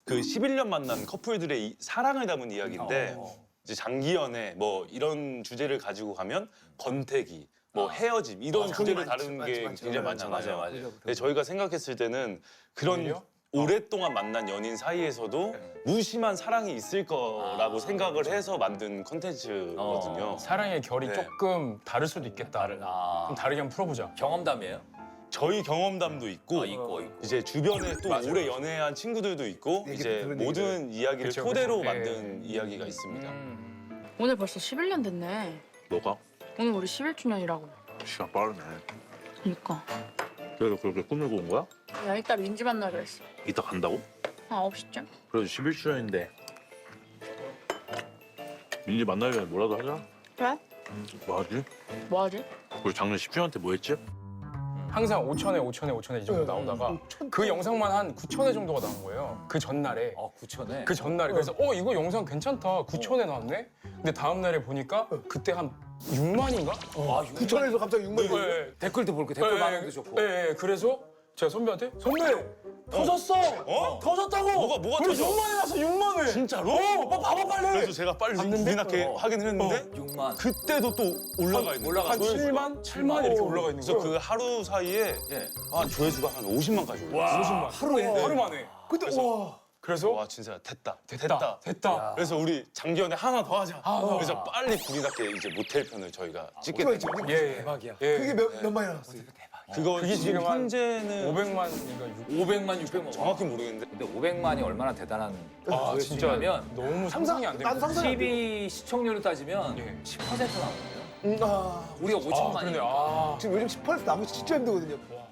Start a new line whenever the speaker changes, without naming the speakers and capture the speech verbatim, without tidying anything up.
그 십일 년 만난 커플들의 이, 사랑을 담은 이야기인데
어.
이제 장기 연애 뭐 이런 주제를 가지고 가면 권태기, 뭐 헤어짐 이런
아,
주제를
많지,
다루는
많지,
게
많지.
굉장히
맞아요,
많잖아요.
맞아요, 맞아요.
근데 저희가 생각했을 때는 그런
오히려?
오랫동안 만난 연인 사이에서도 무심한 사랑이 있을 거라고 생각을 해서 만든 컨텐츠거든요.
어, 사랑의 결이
네.
조금 다를 수도 있겠다.
아.
좀 다르게 한번 풀어보자.
경험담이에요?
저희 경험담도 있고,
아, 있고, 있고.
이제 주변에 또
맞아요,
오래
맞아요.
연애한 친구들도 있고
얘기
이제
들은
모든 이야기를
그쵸,
토대로
그쵸.
만든 이야기가 있습니다.
음.
오늘 벌써 십일 년 됐네.
뭐가?
오늘 우리 십일 주년이라고.
시간 빠르네.
그니까.
그래도 그렇게 꾸밀고 온 거야?
야, 이따 민지 만나기로 했어.
이따 간다고?
한 아홉 시쯤?
그래도 십일 주년인데 민지 만나려면 뭐라도 하자.
그래?
뭐 하지?
뭐 하지?
우리 작년 십 주년 때 뭐 했지?
항상 오천회, 오천회, 오천회 이 정도 나오다가 그 영상만 한 구천회 정도가 나온 거예요. 그 전날에.
어, 구천에.
그 전날에. 그래서 어 이거 영상 괜찮다. 구천회 나왔네. 근데 다음 날에 보니까 그때 한 육만인가?
아, 육만.
구천에서 갑자기 육만이 돼.
네.
댓글도 볼게. 댓글 반응도 좋고.
네, 그래서 제가 선배한테 선배 터졌어.
어?
터졌다고.
뭐가- 뭐가
그래,
터져?
육만이 났어. 육만 회.
진짜로?
어, 오빠 봐봐 빨리.
그래서 제가 빨리
봤는데?
우리나게
어.
확인을 했는데
육만.
그때도 또 올라가 있는 거예요.
올라가.
한 칠만, 칠만 이렇게 올라가 있는
그래서
거예요.
그 하루 사이에
예.
한 조회수가 한 오십만까지 올라요.
오십만.
하루에?
하루 만에.
근데 와.
그래서
와 진짜 됐다.
됐다. 됐다.
그래서 우리 장기연애 하나 더 하자.
아,
그래서 빨리 불이 났게 이제 모텔 편을 저희가 찍게
그거
됐죠.
있지.
예, 예.
대박이야.
예.
그게 몇, 몇 만이 나왔어요?
그거
그게
지금
지금 한
현재는
오백만인가 육.
오백만, 육백만.
정확히 모르겠는데
근데 오백만이 얼마나 대단한
아, 진짜
조회수냐면
너무 상상이 안
나도
됩니다.
상상이 안 돼.
티비 시청률로 따지면
예.
십 퍼센트 나오는 거예요.
음, 아.
우리가
아, 그러네.
오천만이니까.
아.
지금 요즘 십 퍼센트 나오기 진짜 힘들거든요.